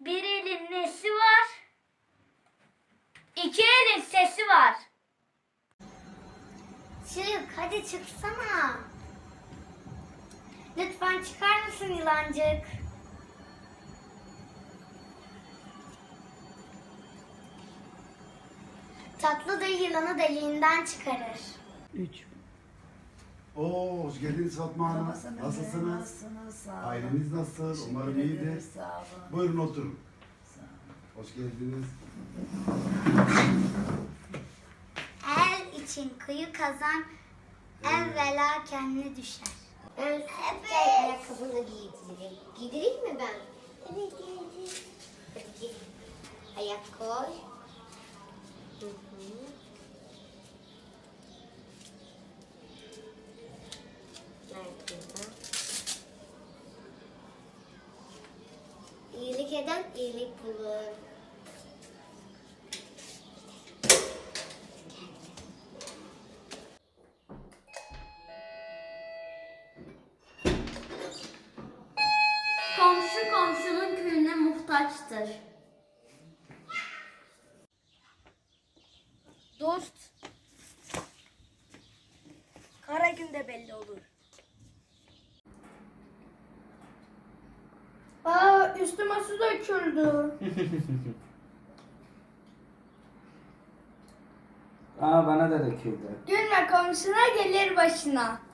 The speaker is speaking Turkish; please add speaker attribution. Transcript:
Speaker 1: Bir elin nesi var? İki elin sesi var. Çık, hadi çıksana. Lütfen çıkar mısın yılancık? Tatlı dayı yılanı deliğinden çıkarır.
Speaker 2: 3.
Speaker 3: Oo, hoş geldiniz Fatma Hanım. Nasılsınız?
Speaker 2: Nasılsınız? Sağ olun.
Speaker 3: Aileniz nasıl?
Speaker 2: Teşekkür
Speaker 3: Umarım iyidir.
Speaker 2: ederiz, sağ olun.
Speaker 3: Buyurun oturun.
Speaker 2: Sağ olun.
Speaker 3: Hoş geldiniz.
Speaker 1: El için kıyı kazan, evvela kendine düşer.
Speaker 4: Evet. Ayakkabını giydireyim. Giydireyim mi ben?
Speaker 1: Evet, evet.
Speaker 4: Hadi giy. Ayak koy. Hı hı. Nerede burada? İyilik eden iyilik bulur.
Speaker 1: Komşu komşunun külüne muhtaçtır.
Speaker 5: Dost, kara günde belli olur. Üstüme su döküldü.
Speaker 2: Aa, bana da döküldü.
Speaker 5: Gülme komşuna gelir başına.